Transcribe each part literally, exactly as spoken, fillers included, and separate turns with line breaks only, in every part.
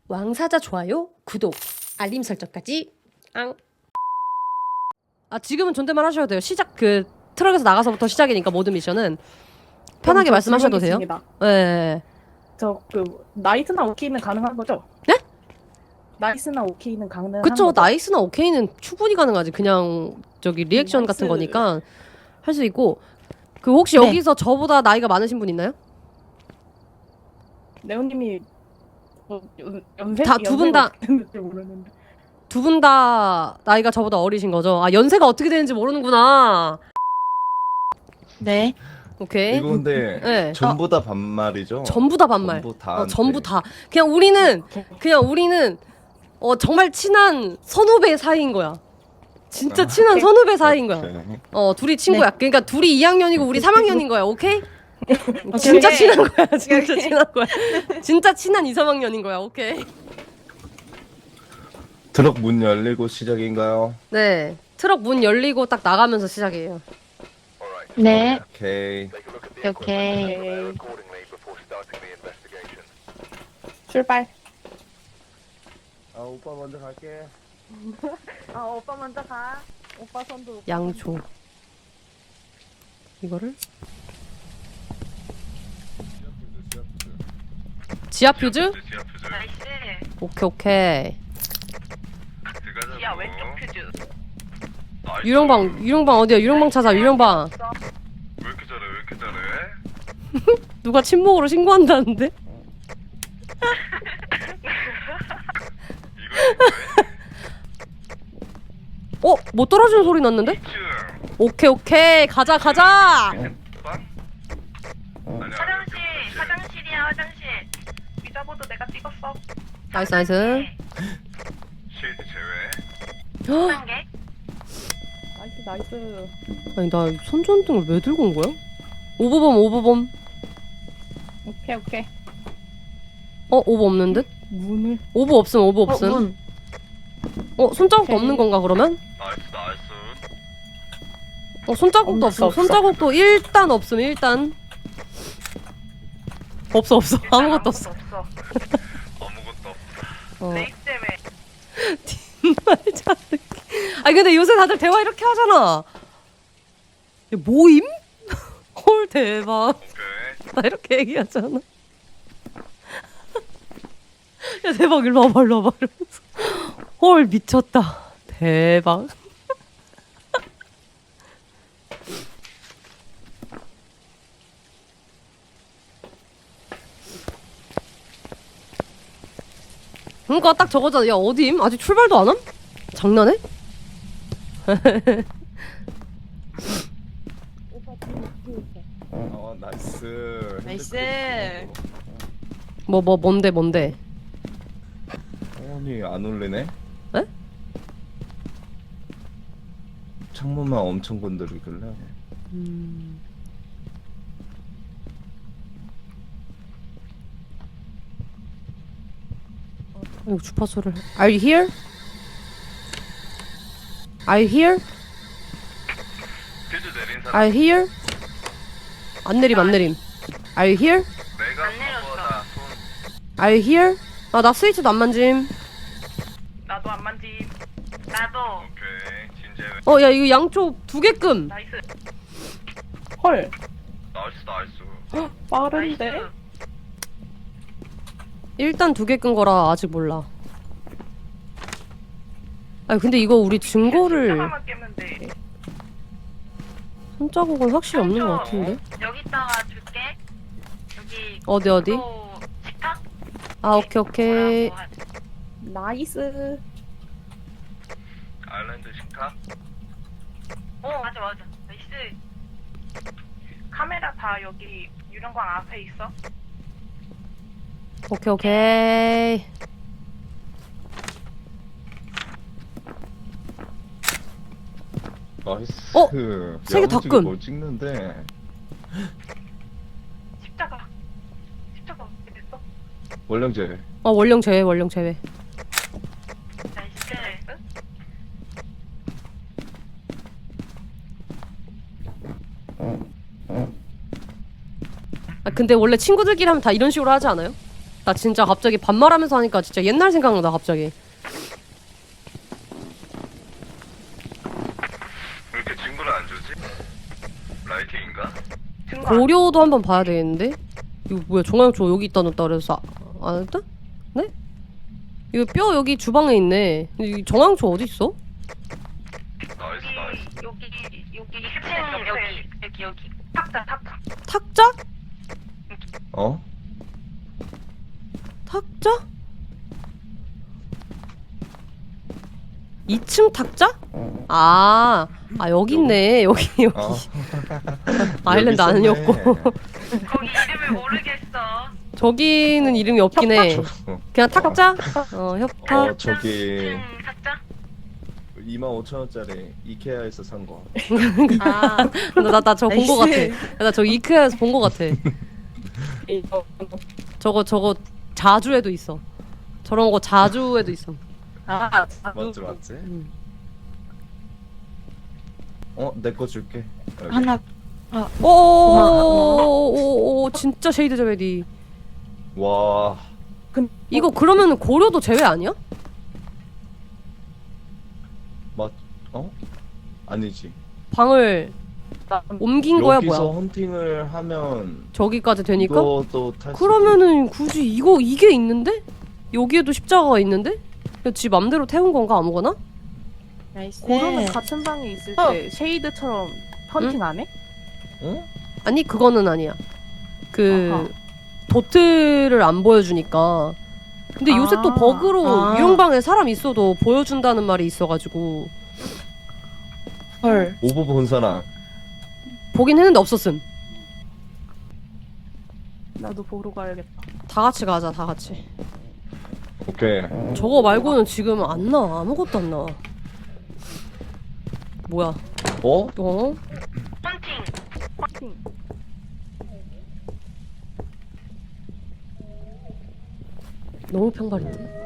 왕사자 좋아요, 구독, 알림 설정까지. 앙. 아 지금은 존댓말 하셔도 돼요. 시작 그 트럭에서 나가서부터 시작이니까 모든 미션은 편하게 말씀하셔도 돼요. 네.
저 그 나이스나 오케이는 가능한 거죠?
네?
나이스나 오케이는 가능한
그쵸.
거죠?
나이스나 오케이는 충분히 가능하지. 그냥 저기 리액션
나이스.
같은 거니까 할 수 있고. 그 혹시
네.
여기서 저보다 나이가 많으신 분 있나요?
네오님이 뭐 연- 연세
다 두 분 다-
연세가 어떻게 되는지 모르는데.
두 분 다 나이가 저보다 어리신 거죠? 아 연세가 어떻게 되는지 모르는구나.
네.
오케이.
이거 근데
네.
전부 다 반말이죠?
전부 다 반말.
전부 다.
어, 전부 다. 그냥 우리는 그냥 우리는 어 정말 친한 선후배 사이인 거야. 진짜
아.
친한 선후배 사이인 거야.
오케이.
어 둘이 친구야. 그러니까 둘이 이 학년이고 우리 삼 학년인 거야. 오케이? 진짜
오케이.
친한 거야. 진짜 친한 거야. 진짜 친한 이, 삼 학년인 거야. 오케이.
트럭 문 열리고 시작인가요?
네. 트럭 문 열리고 딱 나가면서 시작이에요.
네.
오케이.
오케이.
오케이. 출발.
아 오빠 먼저 갈게.
아 오빠 먼저 가. 오빠 손도. 오빠
양초. 이거를 지하 퓨즈?
나이스.
오케이 오케이.
지하 왼쪽 퓨즈.
유령방 유령방 어디야? 유령방 찾아. 유령방.
왜 이렇게 잘해? 왜 이렇게 잘해?
누가 침묵으로 신고한다는데? 어? 뭐 떨어지는 소리 났는데?
이 층.
오케이 오케이 가자 가자.
방? 아니야.
화장실, 화장실이야, 화장실. 위자보도 내가 찍었어.
나이스 나이스.
쉴드 제외.
헉,
한 개.
나이스 나이스.
아니 나 손전등을 왜 들고 온 거야? 오버범 오버범.
오케이 오케이.
어 오버 없는 듯?
문을.
오버 없음 오버 없음.
어, 문.
어 손자국도
오케이.
없는 건가 그러면?
나이스 나이스.
어 손자국도
없어,
없음.
없어.
손자국도 일단 없음 일단. 없어 없어
일단
아무것도 없어.
없어.
아무것도 없다.
어.
레이스 때문에.
말자. 아니 근데 요새 다들 대화 이렇게 하잖아. 야, 모임? 헐 대박.
오케이.
나 이렇게 얘기하잖아. 야 대박 일로 와봐 일로 와봐 이러면서. 헐 미쳤다. 대박. 그러니까 딱 저거잖아. 야 어디임? 아직 출발도 안 함? 장난해?
어 나이스.
나이스.
뭐 뭐 뭔데 뭔데?
아니 안 울리네?
에?
창문만 엄청 건드리길래.
음... 이거 주파수를. Are you here? Are you here?
퓨즈 내린 사람.
Are you here? 안 내림 안 내림. Are you here?
내가
안 내렸어.
그거다. 손.
Are you here? 아 나 스위치도 안 만짐.
나도 안 만짐. 나도.
오케이. 진제외.
어 야 이거 양쪽 두 개끔.
나이스.
헐.
나이스 나이스.
빠른데.
나이스.
일단 두 개 끈 거라 아직 몰라. 아니 근데 이거 우리 증거를
하나만 깨면 돼.
손자국은 확실히 없는 것 같은데.
여기다가 줄게. 여기.
어디 어디?
또 식탁?
아 오케이 오케이.
뭐라고 하지?
나이스.
아일랜드 식탁.
어 맞아 맞아. 나이스. 카메라 다 여기 유령광 앞에 있어.
오케이 오케이.
나이스.
어? 세개다
야무지게
끈.
뭘 찍는데.
십자가. 십자가 어떻게 됐어?
원령제.
어 원령 제외 원령 제외.
나이스. 나이스.
아 근데 원래 친구들끼리 하면 다 이런 식으로 하지 않아요? 나 진짜 갑자기 반말하면서 하니까 진짜 옛날 생각나 갑자기.
왜 이렇게 친구를 안 주지? 라이팅인가?
증거 안-
고려도 한번 봐야 되겠는데? 이거 뭐야 종양초 여기 있다 놓다 그래서 아, 안 했다? 네? 이거 뼈 여기 주방에 있네. 근데 이 정황초 어디 있어?
나이스 나이스.
여기 여기 여기 층 여기 여기 여기 탁자 탁자.
탁자?
어?
탁자? 이 층 탁자? 아, 아 여기 있네. 여기 여기.
어?
아일랜드
여기
아니었고.
있었네.
거기 이름을 모르겠어.
저기는 이름이 없긴 해.
어,
그냥 탁자? 어, 협탁.
어 저기
층 탁자.
이만 오천 원짜리 이케아에서 산 거.
아,
나 나 저거 본 거 같아. 나 저 이케아에서 본 거 같아. 저거 저거 자주에도 있어. 저런 거 자주에도 있어.
아,
맞지 맞지?
음.
어 내 거 줄게. 여기.
하나.
오오오오오 진짜 쉐이드 제베디.
와
이거 그러면 고려도 제외 아니야?
맞 어? 아니지.
방을 옮긴 거야
여기서
뭐야?
헌팅을 하면
저기까지 되니까?
이것도 탈 수.
그러면은 굳이 이거 이게 있는데? 여기에도 십자가가 있는데? 그냥 지 맘대로 태운 건가 아무거나?
나이스.
고로는 같은 방에 있을 때 쉐이드처럼 헌팅 안 해?
어?
아니 그거는 아니야. 그
아하.
도트를 안 보여주니까. 근데 요새 또
아.
버그로
아.
유형방에 사람 있어도 보여준다는 말이 있어가지고
헐.
오버 본 사람.
보긴 했는데 없었음.
나도 보러 가야겠다.
다 같이 가자 다 같이.
오케이.
저거 말고는 지금 안 나와. 아무것도 안 나와. 뭐야?
어?
어?
헌팅.
헌팅.
너무 평발인데?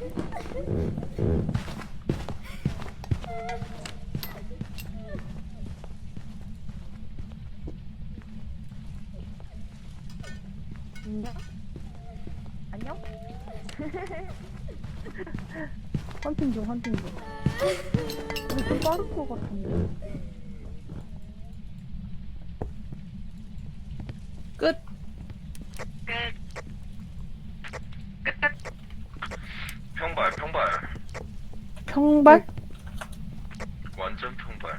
안녕? 헌팅 중, 헌팅 중. 근데 좀 빠를 것 같은데.
끝.
끝. 끝. 끝.
평발 평발.
평발?
완전 평발.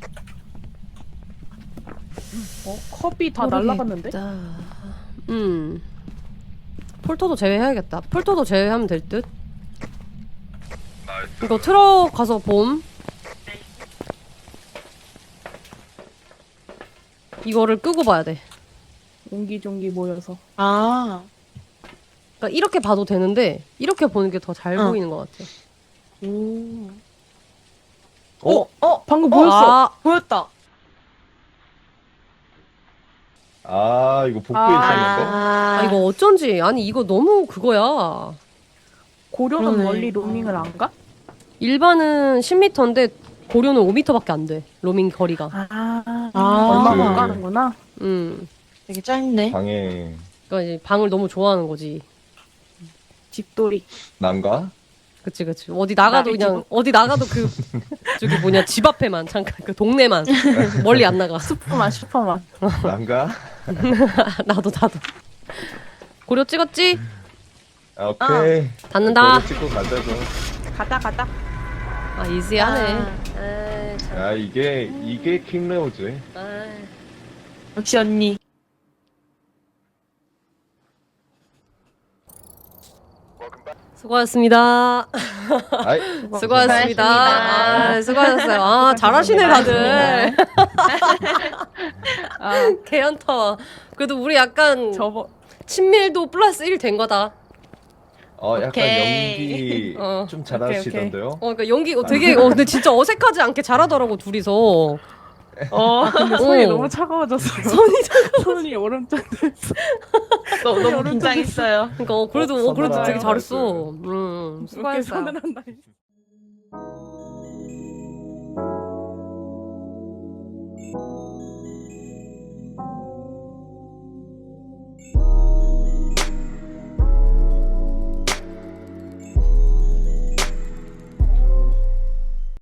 어? 컵이 다 날라갔는데?
음. 폴터도 제외해야겠다. 폴터도 제외하면 될 듯.
나이스.
이거 트럭 가서 봄. 이거를 끄고 봐야 돼.
옹기종기 모여서.
아.
그러니까 이렇게 봐도 되는데 이렇게 보는 게 더 잘
어.
보이는 것 같아.
오.
어?
어? 방금 보였어!
아,
보였다!
아 이거 복도
아.
있었는데.
아 이거 어쩐지 아니 이거 너무 그거야.
고려는
그러네.
멀리 로밍을 안 가?
일반은 십 미터인데 고려는 오 미터밖에 안 돼. 로밍 거리가.
아,
아.
얼마 못
그-
가는구나.
음.
되게 짧네.
방에
그러니까 이제 방을 너무 좋아하는 거지.
집돌이.
난가?
그치 그치. 어디 나가도
나를
그냥 어디 나가도 그 저기 뭐냐 집 앞에만 잠깐 그 동네만 멀리 안 나가.
슈퍼만, 슈퍼만.
난가?
나도 나도. 고려 찍었지?
아, 오케이.
닫는다.
고려 찍고 가자고.
가다, 가다.
아 이지하네.
아.
에이, 참.
야 이게 이게 킹레오지.
에이.
역시 언니.
수고하셨습니다.
아이
수고하셨습니다.
수고하셨습니다.
아, 수고하셨어요. 아, 잘하시네, 다들.
아,
개연타. 그래도 우리 약간
저번,
친밀도 플러스 일 된 거다.
어 약간
오케이.
연기
어.
좀 잘하시던데요.
어, 그러니까 연기 어, 되게, 어, 근데 진짜 어색하지 않게 잘하더라고, 둘이서.
어, 근데 손이
어.
너무 차가워졌어요.
손이 차가워.
손이 오른쪽 됐어.
너무, 너무 긴장했어요.
그러니까, 어, 그래도,
어,
어, 그래도 되게
서늘하다,
잘했어. 음,
이렇게
수고했어요.
손을 한다.